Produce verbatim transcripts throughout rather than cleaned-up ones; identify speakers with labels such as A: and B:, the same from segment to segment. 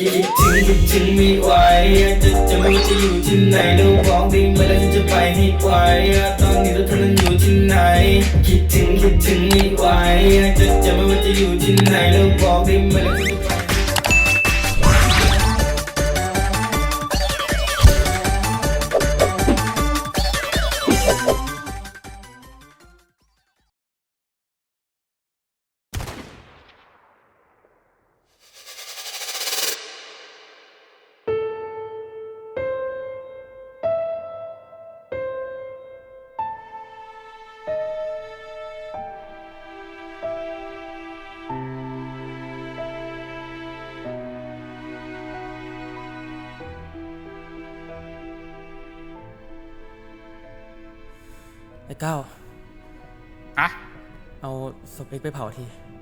A: คิดถึงคิดถึงไม่ไหวจะจะไม่ว่าจะอยู่ที่ไหนแล้วบอกได้ไหมแล้วฉันจะไปให้ไวตอนนี้เราเธอนั้นอยู่ที่ไหนคิดถึงคิดถึงไม่ไหวจะจะไม่ว่าจะอยู่ที่ไหนแล้วบอกได้ไหมแล้วฉันจะไป
B: ไอ้ก้าว
C: ฮะ
B: เอาศพเอ็กไปเผาที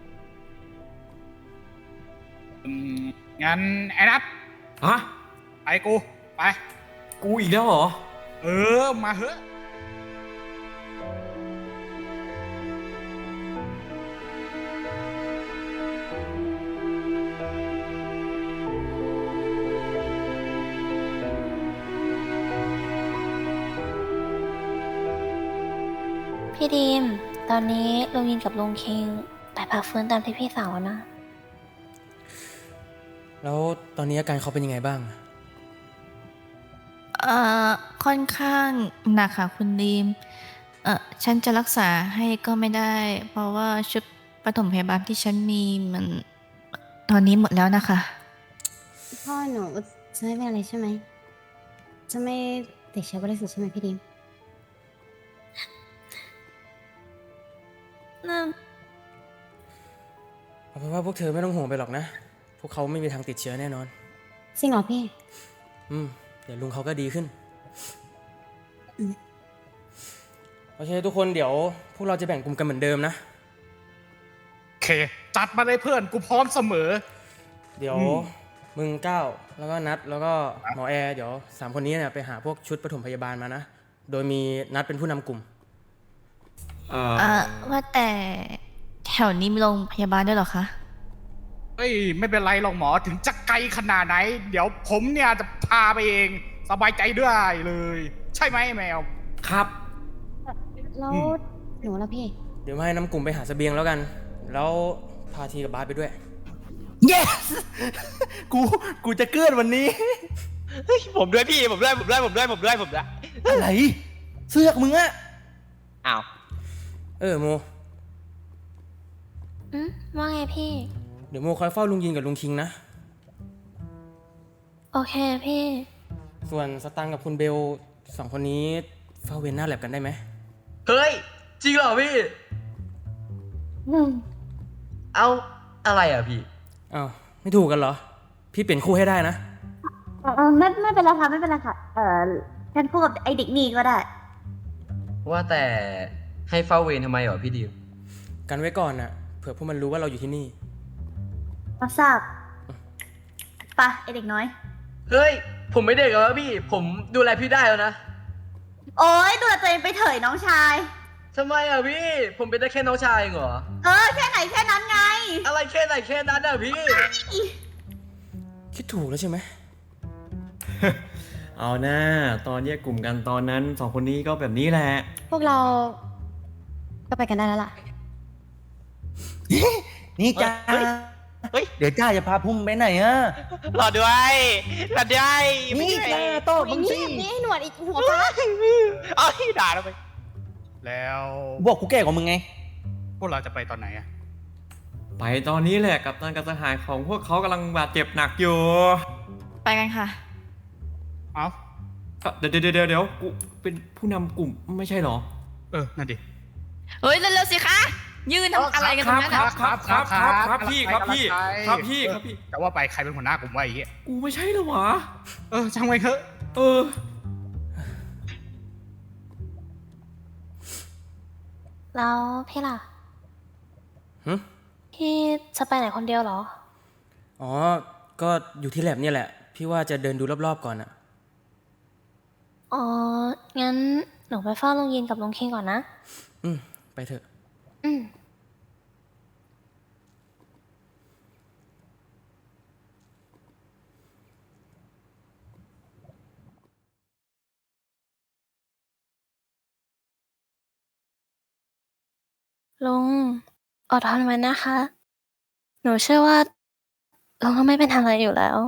C: อืมงั้นไอ้นัท
D: ฮะ
C: ไปกูไป
D: กูอีกแล้วเหรอ
C: เออมาเถอะ
E: พี่ดีมตอนนี้ลุงยินกับลุงคิงไปพักฟื้นตามที่พี่สั่งแล้วนะ
B: แล้วตอนนี้อาการเขาเป็นยังไงบ้าง
F: เอ่อค่อนข้างหนักค่ะคุณดีมเอ่อฉันจะรักษาให้ก็ไม่ได้ เพราะว่าชุดปฐมพยาบาลที่ฉันมีมันตอนนี้หมดแล้วนะคะ
G: พ่อหนูจะไม่เป็นอะไรใช่ไหมจะไม่ติดเชื้อบริสุทธิ์ใช่ไหมพี่ดิม
E: น่า
B: เอาเป็นว่าพวกเธอไม่ต้องห่วงไปหรอกนะ พวกเขาไม่มีทางติดเชื้อแน่นอน
G: จริงเหรอพี่
B: อืมเดี๋ยวลุงเขาก็ดีขึ้นโอเคทุกคนเดี๋ยวพวกเราจะแบ่งกลุ่มกันเหมือนเดิมนะ
C: โอเคจัดมาเลยเพื่อนกูพร้อมเสมอ
B: เดี๋ยวมึงก้าวแล้วก็นัดแล้วก็หมอแอร์เดี๋ยวสามคนนี้เนี่ยไปหาพวกชุดปฐมพยาบาลมานะโดยมีนัดเป็นผู้นำกลุ่ม
F: เอ่อว่าแต่แถวนี้มีโรงพยาบาลด้วยเหรอคะ
C: เฮ้ยไม่เป็นไรหรอกหมอถึงจะไกลขนาดไหนเดี๋ยวผมเนี่ยจะพาไปเองสบายใจด้วยเลยใช่ไหมแมว
D: ครับ
G: แล้วหนูแล้วพี่
B: เดี๋ยวมาให้น้ำกลุ่มไปหาเสบียงแล้วกันแล้วพาทีกับบาสไปด้วย
D: yes กูกูจะเกิดวันนี้
H: เฮ้ยผมด้วยพี่ผมด้วยผมด้วยผมด้วยผมด้วยผมด้วย
D: อะไรเสื้อกมึงอะ
H: อ้าว
B: เออโม
E: อืมว่าไงพี่
B: เดี๋ยวโมคอยเฝ้าลุงยินกับลุงคิงนะ
E: โอเคพี่
B: ส่วนสตังกับคุณเบลสองคนนี้เฝ้าเวนหน้าแลบกันได้ไหม
H: เฮ้ยจริงเหรอพี่เอาอะไรอ่ะพี่
B: อ้าวไม่ถูกกันเหรอพี่เปลี่ยนคู่ให้ได้นะ
G: เออไม่ไม่เป็นไรค่ะไม่เป็นไรค่ะเออฉันคู่กับไอเด็กนี่ก็ได้
H: ว่าแต่ให้เฝ้าเวรทำไมเหรอพี่ดิว
B: กันไว้ก่อนน่ะเผื่อพวกมันรู้ว่าเราอยู่ที่นี่
G: มาทราบปะไอเด็กน้อย
H: เฮ้ยผมไม่เด็กแล้วพี่ผมดูแลพี่ได้แล้วนะ
G: โอ๊ยดูแลตัวเองไปเถยน้องชาย
H: ทำไมอ่ะพี่ผมเป็นได้แค่น้องชายเหรอ
G: เออแค่ไหนแค่นั้นไง
H: อะไรแค่ไหนแค่นั้นอ่ะพี่
B: คิดถูกแล้วใช่ไหม
D: เอาหน้าตอนแยกกลุ่มกันตอนนั้นสองคนนี้ก็แบบนี้แหละ
G: พวกเราก็ไปกันได้แล้วล่ะ
D: นี่จ้าเฮ้ยเดี๋ยวจ้าจะพาพุ่มไปไหนอะ
H: รอด้วยรอด้วย
D: นี่จ้าโต้มึงสิ
G: นี่หนวดอีกหัวฟ้า
H: เอ้ยด่าเราไป
C: แล้ว
D: บอกกูแก่กว่ามึงไง
C: พวกเราจะไปตอนไหนอะ
D: ไปตอนนี้แหละกับตันกับสหายของพวกเขากำลังบาดเจ็บหนักอยู่
F: ไปกันค่ะ
C: เอ้า
D: เดี๋ยวเดี๋ยวเดี๋ยวเดี๋ยวกูเป็นผู้นำกลุ่มไม่ใช่หรอ
C: เออนั่นดิ
F: เฮ้ยเร็วๆสิคะยืนทำอะไรกันตรงนั้น
D: ครับครับครับครับครับพี่ครับพี่ครับพี่ครับพี่
C: แต่ว่าไปใครเป็นหัวหน้ากลุ่มวะไอ้เหี้ย
D: กูไม่ใช่หรอวะ
C: เออช่างไว้เถอะ
D: เออ
E: แล้วพี่ล่ะ
B: ฮึ
E: พี่จะไปไหนคนเดียวเหรอ
B: อ๋อก็อยู่ที่แลบเนี่ยแหละพี่ว่าจะเดินดูรอบๆก่อนอะ
E: อ๋องั้นหนูไปเฝ้าลุงยินกับลุงคิงก่อนนะ
B: อืมไปเถอะ
E: อืมลุงอดทนไว้นะคะ หนูเชื่อว่าลุงก็ไม่เป็นอะไรอยู่แล้ว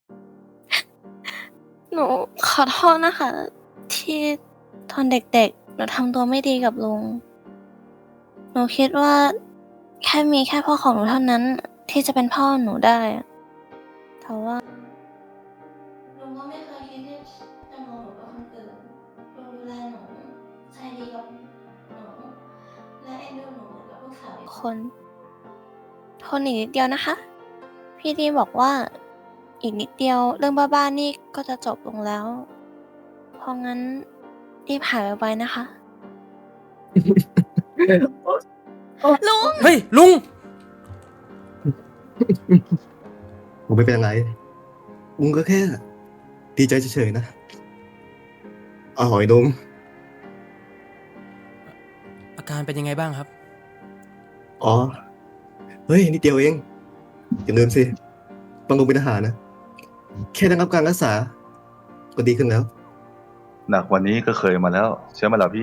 E: หนูขอโทษนะคะ ที่ตอนเด็กๆหนูทำตัวไม่ดีกับลุง หนูคิดว่าแค่มีแค่พ่อของหนูเท่านั้นที่จะเป็นพ่อหนูได้อะแต่ว่าลุงก็ไม่เคยคิดที่จะมองหนูเป็นคนอื่นลุงดูแลหนูใจดีกับหนูและเอ็นดูหนูเหมือนกับลูกสาวอีกคนทนอีกนิดเดียวนะคะ พี่ดีบอกว่าอีกนิดเดียวเรื่องบ้าๆนี่ก็จะจบลงแล้ว เพราะงั้นรีบหายไวๆนะคะ ลุง
B: เฮ้ย ลุง
I: ผมไม่เป็นอะไรลุงก็แค่ดีใจเฉยๆนะอร่อยดม
B: อาการเป็นยังไงบ้างครับ
I: อ๋อ เฮ้ยนิดเดียวเอง อย่าลืมสิต้องลงเป็นทหารนะ แค่ได้รับการรักษา ก็ดีขึ้นแล้ว
J: หนักกวันนี้ก็เคยมาแล้วเชื่อไหมล่ะพี่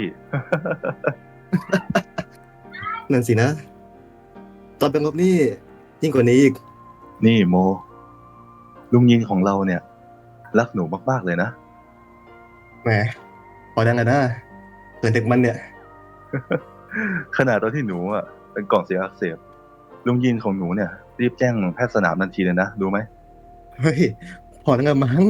I: นั่นสินะ ตอนเป็นรบนี่ยิ่งกว่านี้อีก
J: นี่โม ลุงยิงของเราเนี่ย รักหนูมากๆเลยนะ
I: แหม พอดังกันนะเกิดเด็กมันเนี่ย
J: ขนาดตอนที่หนูอ่ะเป็นกล่องเสียงอักเสบลุงยินของหนูเนี่ย รีบแจ้งแพทย์สนามทันทีเลยนะรู้ไหม
I: เฮ้ย พอดังกันมั้ง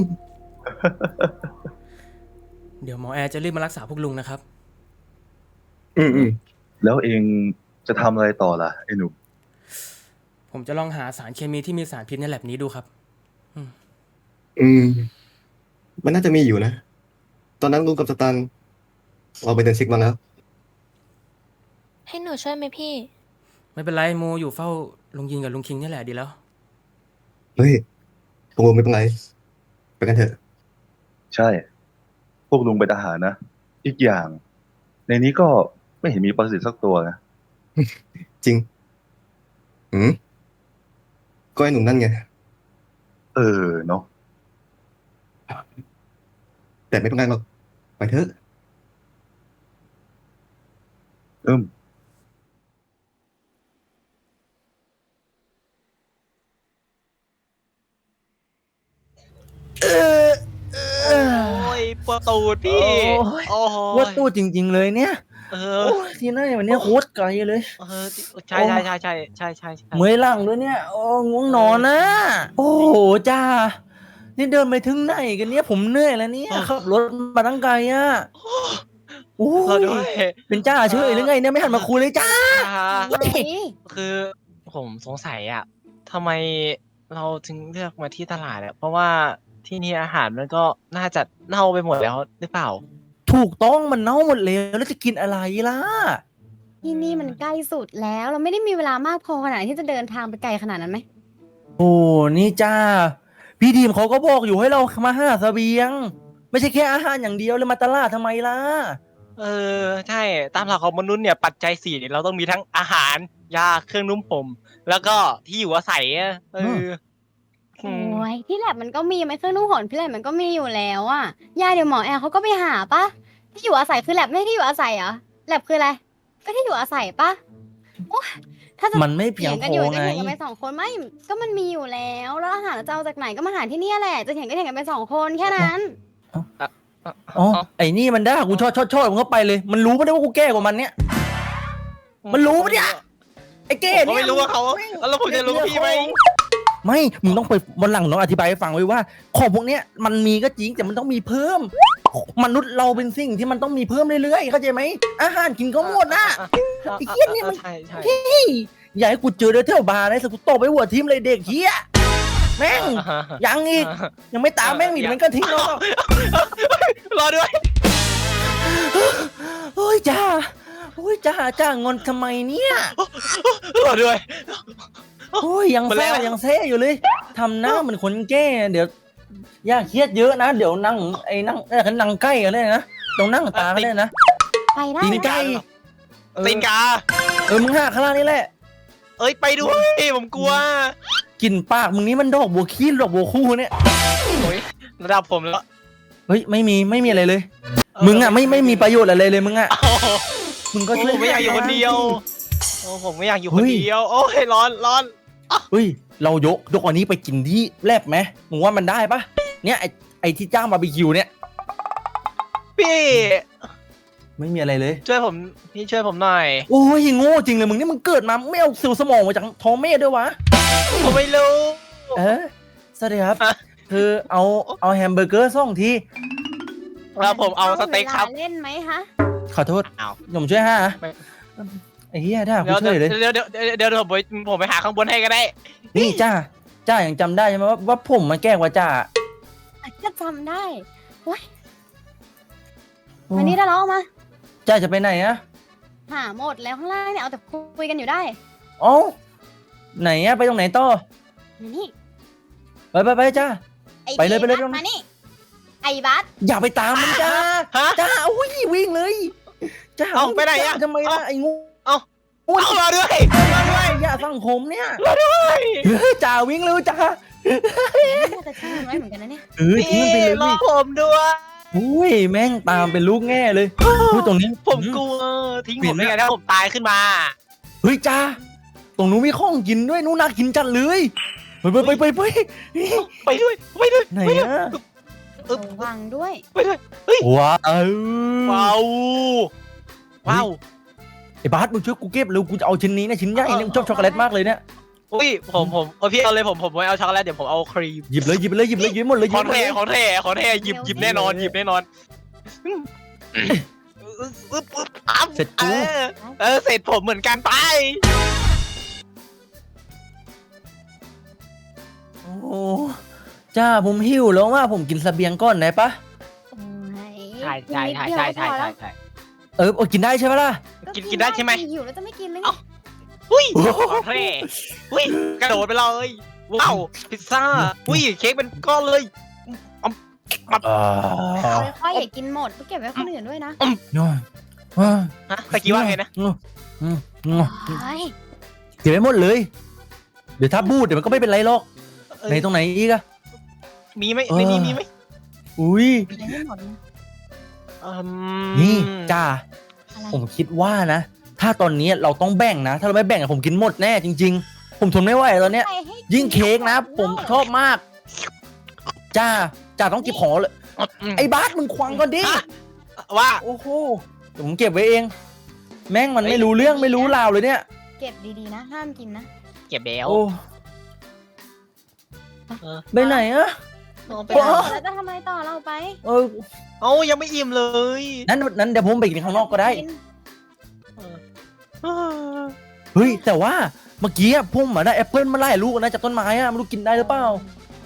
B: เดี๋ยวหมอแอร์จะรีบมารักษาพวกลุงนะครับ
I: อืมอืม
J: แล้วเองจะทำอะไรต่อล่ะไอ้หนุ่ม
B: ผมจะลองหาสารเคมีที่มีสารพิษในแลบนี้ดูครับ
I: อืม มันน่าจะมีอยู่นะ ตอนนั้นลุงกับสตังค์เราไปเดินเช็คมาแล้ว
E: ให้หนูช่วยไหมพี่
B: ไม่เป็นไรโมอยู่เฝ้าลุงยินกับลุงคิงนี่แหละดีแล้ว
I: เฮ้ยพวกลุงไม่เป็นไร ไปกันเถอะ
J: ใช่ พวกลุงเป็นทหารนะ อีกอย่าง ในนี้ก็ไม่เห็นมีปรสิตสักตัวนะ
I: จริง อืม ก็ไอ้หนุ่มนั่นไง
J: เออเนาะ
I: แต่ไม่เป็นไรหรอก ไปเถอะ
J: อืม
K: โอ้ยปวดตูดพี่ โอ้โห
L: ว่าตู้จริง ๆ เลยเนี่ย
K: เอ
L: โอ้
K: อ
L: ยที่นั่นวันนี้โคตรไกลเลย
K: เออใช่ใช่ใช่ใช่ใช่ใช่ใช่
L: เมื่อยหลังด้วยเนี่ย โอ้ง่วงนอนนะ โอ้โหจ้า นี่เดินไปถึงไหนกันเนี่ย ผมเหนื่อยแล้วเนี่ยขับรถมาตั้งไกลอ่ะโอ้
K: รอด้วย
L: ยเป็นจ้าเฉยหรือไงเนี่ยไม่หันมาคุยเลยจ้า
K: เฮ้ยคือผมสงสัยอ่ะทำไมเราถึงเลือกมาที่ตลาดอ่ะเพราะว่าที่นี่อาหารมันก็น่าจะเน่าไปหมดแล้วหรือเปล่า
L: ถูกต้องมันเน่าหมดแล้วแล้วจะกินอะไรล่ะ
G: ที่นี่มันใกล้สุดแล้ว เราไม่ได้มีเวลามากพอขนาดที่จะเดินทางไปไกลขนาดนั้นไหม
L: โอ้นี่จ้า พี่ดีมเขาก็บอกอยู่ให้เรามาหาเสบียง ไม่ใช่แค่อาหารอย่างเดียวเลยมาตลาดทำไมล่ะ
K: เออใช่ตามหลักของมนุษย์เนี่ยปัจจัยสี่เนี่ยเราต้องมีทั้งอาหารยาเครื่องนุ่มผมแล้วก็ที่อยู่อาศัยอะเออ
G: โอ้ยที่แลบมันก็มีไหมเครื่องนุ่งห่มที่แลบมันก็มีอยู่แล้วอะยาเดี๋ยวหมอแอร์เขาก็ไปหาปะที่อยู่อาศัยคือแลบไม่ใช่ที่อยู่อาศัยเหรอแลบคืออะไรก็ที่อยู่อาศัยปะโอ้ยถ้าจะ
L: มันไม่เพียง
G: ถีกันอยู่
L: พอ
G: จะ
L: ไง
G: เถียงกันไปสองคนไม่ก็มันมีอยู่แล้วแล้วอาหารเราจะเอาจากไหนก็มาหาที่เนี่ยแหละจะเถียงก็เถียงกันไปสองคนแค่นั้น
L: อ๋อไอ้นี่มันได้กูชอบชอบชอบมึงก็ไปเลย มันรู้ไม่ได้ว่ากูแก่กว่ามันเนี่ย มันรู้ปะเนี่ย ไอ้แก่
K: ผม
L: เนี่ย
K: ก็ไม่รู้ว่าเขาแล้วผมจะรู้พี่ไหม
L: ไม่ มึงต้องไปวันหลังน้องอธิบายให้ฟังไว้ว่า ของพวกเนี้ยมันมีก็จริงแต่มันต้องมีเพิ่ม มนุษย์เราเป็นสิ่งที่มันต้องมีเพิ่มเรื่อยๆเข้าใจไหมอาหารกินก็หมดนะ ไอ้เหี้ยเนี่ยมัน
K: ใช่ใช่
L: เฮ้ยอย่าให้กูเจอเดอเทลบาร์นะสกูตบไปหัวทิมเลยเด็กเหี้ยแม่งยังอีกยังไม่ตามแม่งหนีมันก็ทิ้งแล้ว
K: รอด้วย
L: โอ้ยจ้าโอ้ยจ้าจ้างอนทำไมเนี่ย
K: รอด้วย
L: โอ้ยยัง
K: มาแล้
L: แซ่
K: ว
L: ยังแซ่อยู่เลยทำหน้าเหมือนคนแก่เดี๋ยวอย่าเครียดเยอะนะเดี๋ยวนั่งไอ้นั่งเอ้ยนั่งใกล้กันเลยนะตรงนั่งตากันเลยนะ
G: ไปได้
L: ตีน
G: นะ
L: ไก่เออ
K: ตีนกา
L: เออมึงหาข้างล่างนี่แหละ
K: เอ้ยไปด้วยผมกลัว
L: กลิ่นปากมึงนี่มันดอกบัวขี้ดอกบัวคู่เนี่ย
K: โอ้ยระดับผมแล้ว
L: เฮ้ยไม่มีไม่มีอะไรเลย มึงอ่ะไม่ไม่มีประโยชน์อะไรเลยมึงอ่ะ
K: โอ้โห
L: มึงก็ช่วย
K: ผมไม่อยากอยู่คนเดียวโอ้ผมไม่อยากอยู่คนเดียวโอ้ยร้อนร้อน
L: เฮ้ยเรายกยกอันนี้ไปกินที่แลบไหมมึงว่ามันได้ปะเนี่ยไอไอที่จ้างบาร์บีคิวเนี่ย
K: พี่
L: ไม่มีอะไรเลย
K: ช่วยผมพี่ช่วยผมหน่อย
L: โอ้ยโง่จริงเลยมึงนี่มึงเกิดมาไม่เอาเซลล์สมองมาจากท้องแม่ด้วยวะ
K: ผมไม่รู้
L: เออสวัสดีครับ คือเอาเอาแฮมเบอร์เกอร์สองที
K: แล้วผมเอาสเต็กครับ
G: เล่นไหมฮะ
L: ขอโทษ
K: อ้าว
L: ผมช่วยห้าไอ้เหี้ยด่ากู
K: เดี๋ยว
L: ช่วยเลย
K: เดี๋ยวเดี๋ยวเดี๋ยวเดี๋ยวผมไปผมไปหาข้างบนให้ก็ได้
L: นี่จ้าจ้ายังจำได้ใช่ไหมว่าว่าผมมาแกล้งว่าจ้า
G: ก็จำได้เว้ยวันนี้ได้แล้วเอามา
L: จ้าจะไปไหนอะ
G: หาหมดแล้วข้างล่างเนี่ยเอาแต่คุยกันอยู่ได้
L: อ๋อไหนอะไปตรงไหนต่อ
G: นี่
L: ไปไปไปจ้า
G: อ้
L: ไปเลยไปเลย
G: บัสมานี่ ไอ้บัส
L: อย่าไปตามมันจ้า
K: ฮะ
L: จ้าอุ้ยวิ่งเลยจ้า
K: เอ้าไปไหนอะ
L: จ้าทำไมล่ะไอ้งู
K: เอ้า
L: โอ้ย
K: เอามาด้วยมาด้วย
L: อย่าสั่งผมเนี่ย
K: มาด้วย
L: เฮ้ยจ้าวิ่งเร็วจ้า
G: น่าจะทิ้งมันไว้เหมือนกันนะเนี่ย
L: เออทิ้งมันไปเลย
K: รอ
L: ดิ
K: ผมด้วย
L: อุ้ยแม่งตามเป็นลูกแง่เลยอุ้ยตรงนี้
K: ผมกลัวทิ้งผมไม่งั้นถ้าผมตายขึ้นมา
L: เฮ้ยจ้าตรงนู้นมีข้องกินด้วยนู้นน่ากินจัดเลยไปไปไปไปไป
K: ไปด้วยไปด้วย
L: ไหนอะ
G: ระวังด้วย
K: ไปด้วย
L: ว้าว
K: ว้าวว้าว
L: ไอ้บาสมึงช่วยกูเก็บเร็วกูจะเอาชิ้นนี้นะชิ้นใหญ่เนี่ยชอบช็อกโกแลตมากเลยเนี่ย
K: อุ้ยผมผมเออพี่เอาเลยผมผมไม่เอาช็อกโกแลตเดี๋ยวผมเอาครีม
L: หยิบเลยหยิบเลยหยิบเลยหยิบหมดเลยห
K: ข
L: ยิ
K: อบ
L: หมด
K: แท้
L: เลย
K: ของแท้ของแท้หยิบหยิบแน่นอนหยิบแน่นอนอึ๊บอึ๊บปั๊บ
L: เสร็จกู
K: เออเออเสร็จผมเหมือนกันไป
L: โอ้จ้าผมหิวแล้วว่าผมกินเสบียงก่อนได้ปะ
K: ใช่ใช่ใช่ใช่ใช่ใช่ใช่
L: เออโอ้กินได้ใช่ปะล่ะ
K: กินกินได้ใช่ไหม
G: หิวแล้วจะไม่กินเลย
K: เอ้า อุ้ยของแท้อุ้ยกระโดดไปเลยว้าวพิซซ่าอุ้ยเค้กเป็นก้อนเลย
L: อ่า
G: ค่อยๆอย่ากินหมดต้องเก็บไว้คนอื่นด้วยนะ
L: โน่อ่า
K: ฮะตะกี้ว่าไงนะ
L: อืมอืมอืม
G: เฮ้ย
L: เก็บไว้หมดเลย เดี๋ยวถ้าบูดเดี๋ยวมันก็ไม่เป็นไรหรอกไหนตรงไหนอีกอะ
K: มีไหมในนี้มีไหม
L: อุ้ย
G: ยังไม่หมดเลย
K: อืม
L: นี่จ้า
G: อะไร
L: ผมคิดว่านะ ถ้าตอนนี้เราต้องแบ่งนะ ถ้าเราไม่แบ่งอะผมกินหมดแน่จริง ๆ ผมทนไม่ไหวตอนเนี้ย
G: ใครให้
L: ยิ่งเค้กนะ ผมชอบมาก จ้าจ้าต้องเก็บของเลย ไอ้บาสมึงควางก่อนดิ
K: ฮะว่า
L: โอ้โหเดี๋ยวผมเก็บไว้เอง แม่งมันไม่รู้เรื่องไม่รู้ราวเลยเนี่ย
G: เก็บดีๆนะ ห้ามกินนะ
K: เก็บแล้ว
L: โอ้
K: เออ
L: ไปไหนอะ
K: ไป
L: โอ้
G: แล้วจะทำอะไรต่อเราไป
L: เออ
K: เอ้ายังไม่อิ่มเลย
L: นั้นนั้นเดี๋ยวผมไปกินข้างนอกก็ได้
G: กิน
K: เออ
L: เฮ้ย แต่ว่าเมื่อกี้อะผมอะได้แอปเปิลมาไล่ลูกนะจากต้นไม้อะไม่รู้กินได้หรือเปล่า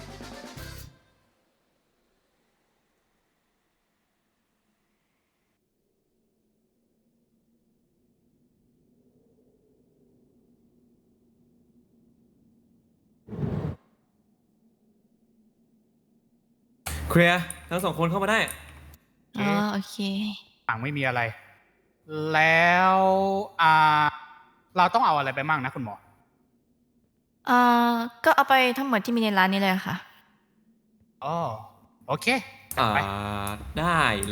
D: เคลียร์ทั้งสองคนเข้ามาได้
F: อ๋อโอเค
C: ต่างไม่มีอะไร แล้วอ่าเราต้องเอาอะไรไปมั่งนะคุณหมอ
F: เอ่อก็เอาไปทั้งหมดที่มีในร้านนี้เลยค่ะ
C: อ๋อโอเค
D: อ่า
C: ไป
D: ได้เลย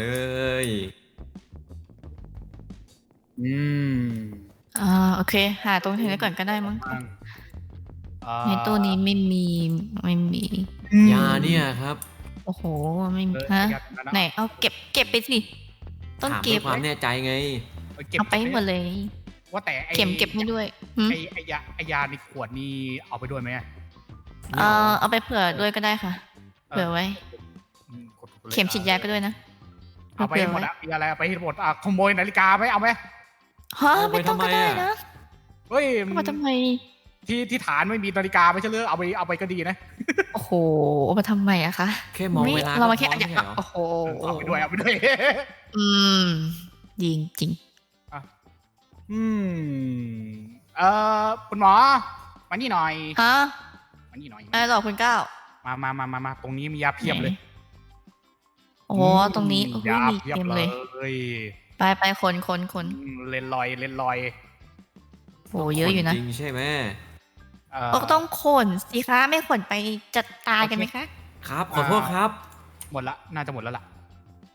C: อืม
F: อ่าโอเค หาตรงนี้ก่อนก็ได้มั้ง
C: อ่า
F: ในตู้นี้ไม่มีไม่มี
D: ยาเนี่ยครับ
F: โอ้โหไม่มี
C: เออ
F: ฮะ
C: ยัดนะนะ
F: ไหนเอาเก็บเก็บไปสิต้อง
D: ถาม
F: เก็
D: ด้ว
F: บ
D: ยความแน่ใจไง
C: เอาเก็บ
F: เอาไปให้หมดเลย
C: ว่าแต่ไอ้
F: เข็มเก็บให้ด้วยหืม
C: ไอ้ไอ้ยาไอ้ยาในขวดนี่เอาไปด้วยไหมอะ
F: เอ่อเอาไปเผื่อด้วยก็ได้ค่ะ
C: เออ
F: เผื่อไว้
C: อืมกดๆลย
F: เข็มฉีดยาก็ด้วยนะ
C: เอาไปให้หมดอะมีอะไรเอาไปให้หมดอ่ะขโมยนาฬิกาไหมเอาไหม
F: ฮะ
D: เอาไป
F: ไม่ต้องก็
D: ทำไม
F: ได้
D: อะ
F: นะ
C: เฮ้ย
F: เอามาทำไม
C: ที่ที่ฐานไม่มีนาฬิกาไม่ใช่เหรอเอาไปเอาไปก็ดีนะ
F: โอ้โหเอามาทำไมอะคะ
D: แค่มอง
F: ไม่
D: เวลา
F: เรามา
D: ก็
F: แค่
D: พอ
F: อยาก
D: ไม่ใช่เหรอ
F: โอ้โห
C: เอาไปด้วยเอาไปด้วย
F: อืมจริงจริง
C: อืมเอ่อคุณหมอมานี่หน่อย
F: ฮะ
C: มานี่หน่อย
F: อะไรหรอคุณก้าว
C: มามามามามาตรงนี้มียาเพียบเลย
F: โอ้โหตรงนี้โอ้โห
C: ยา
F: มี
C: เพียบ
F: เต็ม
C: เล
F: เลย ย ไปไปคนคนคน
C: อืมเลนลอยเลนลอย
F: โอ้เยอะอยู่นะ
D: จริงใช่ไหม
C: เอ่อ
F: ก็ต้องขนสิคะไม่ขนไปจัดตายกันไหมคะ
D: ครับ ขอโทษครับ
C: หมดละน่าจะหมดแล้วล่ะ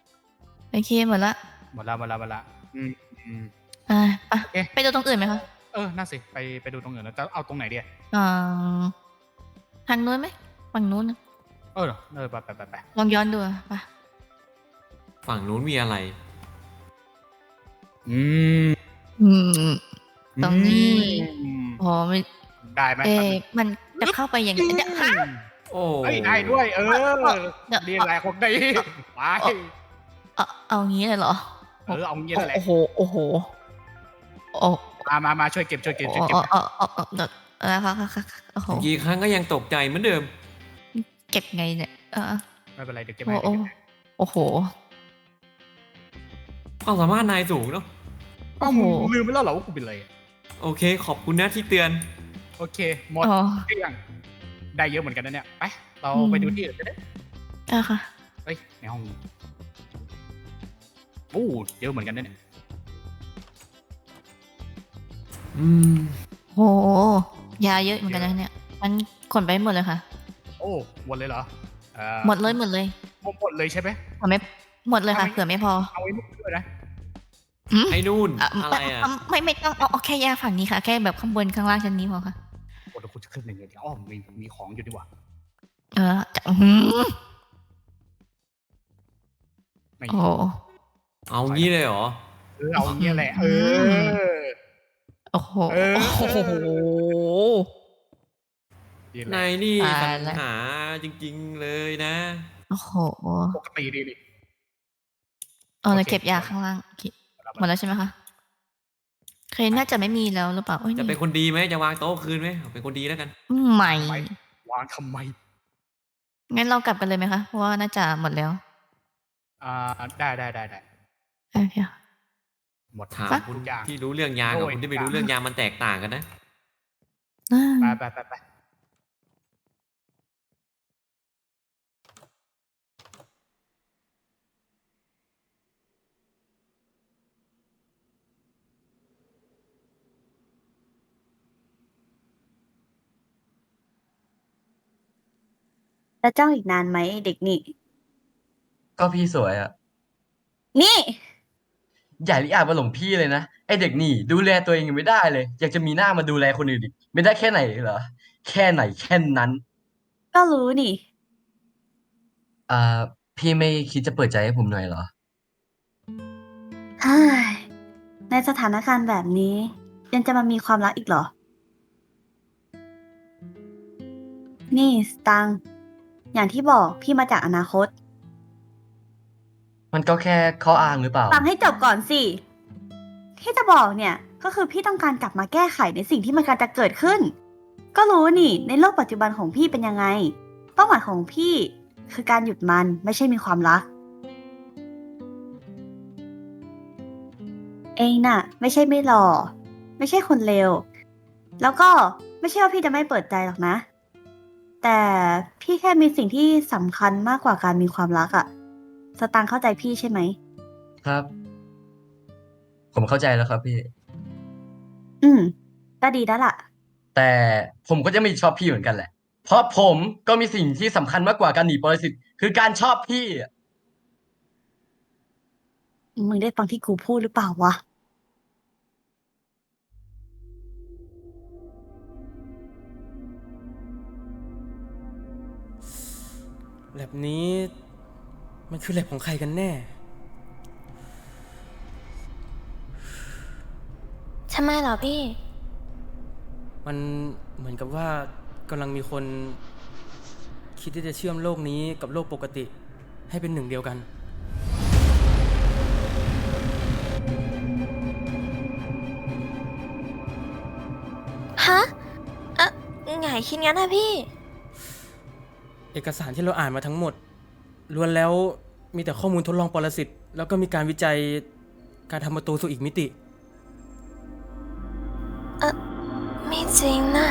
F: โอเคหมดละ
C: หมดละหมดละหมดละอืมอืม
F: อ่าไป
C: โอเค
F: ไปดูตรงอื่นไหมคะ
C: เออน่าสิไปไปดูตรงอื่นแล้วจะเอาตรงไหนดี
F: เอ่อทางนู้นไหมฝั่งนู้นนะ
C: เออเออไปไปไปไป
F: ลองย้อนดูอะไป
D: ฝั่งนู้นมีอะไร
C: อืม
F: อืมตรงนี้
C: อืม
F: โอ้ไม่
C: ได้ไหม
F: เอ๊ะมันจะเข้าไปอย่างนี้เนี่ยฮะ
D: โอ้
C: เฮ้ยได้ด้วย เออ
F: เดี๋ยว
C: เรียนอะไรของได้ไป
F: เอาเอางี้เลยเหรอ
C: เออเอางี้นั่นแหละ
F: โอ้โหโอ้โหโอ้
C: มามามาช่วยเก็บช่วยเก็บช่วยเก็บ
F: โอ้โอ้โอ้โอ้เดี๋ยวนะคะค่ะค่ะโอ้โห
D: กี่ครั้งก็ยังตกใจเหมือนเดิม
F: เก็บไงเนี่ยเออ
C: ไม่เป็นไรเดี๋ยวเก็บ
F: โอ้
C: ให้
F: โอ้โอ้โห
D: ความสามารถนายสูงเนาะ
C: อ้าวมึงลืมไปแล้วเหรอว่ากูเป็นอะไรอะ
D: โอเค ขอบคุณนะที่เตือน
C: โอเคหมด
F: อ๋อ
C: เกลี้ยงได้เยอะเหมือนกันนะเนี่ยไปเรา
F: อืม
C: ไปดูที่อื่นกันได้
F: อ่ะค่ะ
C: เฮ้ยในห้องนี้โอ้เยอะเหมือนกันนะเนี่ย
D: อืม
F: โหยาเยอะเหมือนกันนะเนี่ย มันขนไปหมดเลยค่ะ
C: โอ้หมดเลยเหรอเอ่อ
F: หมดเลยหมดเลย
C: หมดหมดเลยใช่ไหม
F: หมดไม่หมดเลยค่ะ
C: เอาไว้
F: เผื่อไม่พอ
C: เอาไว้นู่นด้วยนะ
F: อืม
D: ไอ้นู่น
F: อ่ะ
D: อะไรอ่ะ
F: ไม่ไม่ต้องเอาเอาแค่ยาฝั่งนี้ค่ะ แค่แบบข้างบนข้างล่างชั้นนี้พอค่ะ
C: โอ้เดี๋ยวกูจะขึ้นหนึ่งเลยเดี๋ยวอ้อมมีมีของอยู่ดีกว่า
F: เออจะอื้อหือ
C: ไม่
F: โอ้โห
D: เอางี้เลยเหรอ
C: เออเอาอย่างเงี้ยแหละเออ
F: โอ้โห
C: เออ
F: โอ้โห
C: นี่แหละ
D: นายนี่
F: ตาย
D: ปัญ
F: แล้ว
D: หาจริงๆเลยนะ
F: โอ้โห
C: ปกติดีดิ
F: เออ
C: โอเค
F: เราเก็บยาข้างล่างโอเคหมดแล้วใช่ไหมคะเคยน่าจะไม่มีแล้วหรือเปล่าโอ้ย
D: จะ
F: นี่
D: เป็นคนดีไหมจะวางโต๊ะคืนไหมเอาเป็นคนดีแล้วกัน
F: ใหม่
C: ไปวางทำไม
F: งั้นเรากลับกันเลยไหมคะ เพราะว่าน่าจะหมดแล้ว
C: อ่าได้ได้ได้ได้
F: โอเคค่ะ
C: หมด
D: ถาม
F: ปะ
D: คุณ
C: อย่าง
D: ที่รู้เรื่องยากับ
C: โอ้ย
D: คุณที่ไม่รู้เรื่องยามันแตกต่างกันนะ
F: อ่า
C: ไปไปไปไป
G: จะจ้องอีกนานไหมเด็กนี่
H: ก็พี่สวยอะ
G: นี่
H: อย่าลิอาจมาหลงพี่เลยนะไอเด็กนี่ดูแลตัวเองยังไม่ได้เลย อยากจะมีหน้ามาดูแลคนอื่นอีกไม่ได้แค่ไหนเหรอแค่ไหนแค่นั้น
G: ก็รู้นี่
H: อ่าพี่ไม่คิดจะเปิดใจให้ผมหน่อยเหรอ
G: เฮ้ยในสถานการณ์แบบนี้ ยังจะมามีความรักอีกเหรอ นี่สตังค์อย่างที่บอกพี่มาจากอนาคต
H: มันก็แค่ข้ออ้างหรือเปล่า
G: ฟังให้จบก่อนสิ ที่จะบอกเนี่ย ก็คือพี่ต้องการกลับมาแก้ไขในสิ่งที่มันกำลังจะเกิดขึ้น ก็รู้นี่ ในโลกปัจจุบันของพี่เป็นยังไง เป้าหมายของพี่คือการหยุดมันไม่ใช่มีความรัก เองน่ะ ไม่ใช่ไม่หล่อ ไม่ใช่คนเลว แล้วก็ไม่ใช่ว่าพี่จะไม่เปิดใจหรอกนะ แต่พี่แค่มีสิ่งที่สำคัญมากกว่าการมีความรักอะสตางค์เข้าใจพี่ใช่ไหม
H: ครับ ผมเข้าใจแล้วครับพี่
G: อืมก็ดีแล้วล่ะ
H: แต่ผมก็จะไม่ชอบพี่เหมือนกันแหละ เพราะผมก็มีสิ่งที่สำคัญมากกว่าการหนีปรสิตคือการชอบพี่อะ
G: มึงได้ฟังที่กูพูดหรือเปล่าวะ
B: แลบนี้มันคือแลบของใครกันแน่
E: ทำไมเหรอพี่
B: มันเหมือนกับว่ากำลังมีคนคิดที่จะเชื่อมโลกนี้กับโลกปกติให้เป็นหนึ่งเดียวกัน
E: ฮะเอ๊ะไงคิดงั้นนะพี่
B: เอกสารที่เราอ่านมาทั้งหมดล้วนแล้วมีแต่ข้อมูลทดลองปรสิตแล้วก็มีการวิจัยการทำประตูสู่อีกมิติ
E: เออไม่จริงนะ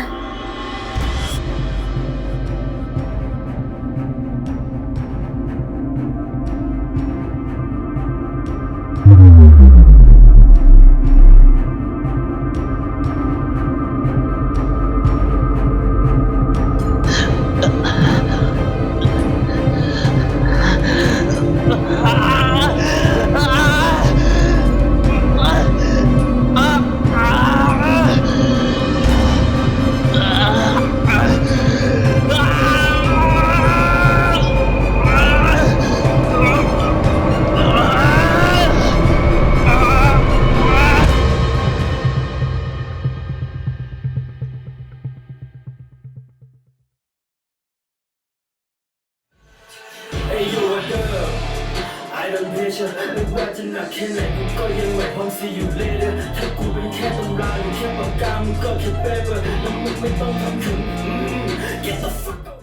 A: nature ไม่ว่าจะหนักแค่ไหนกูก็ยังไหวพร้อม see you later ถ้ากูเป็นแค่ตำราหรือแค่ปากกามึงก็แค่ paper แล้วมึงไม่ต้องทำถึง get the fuck out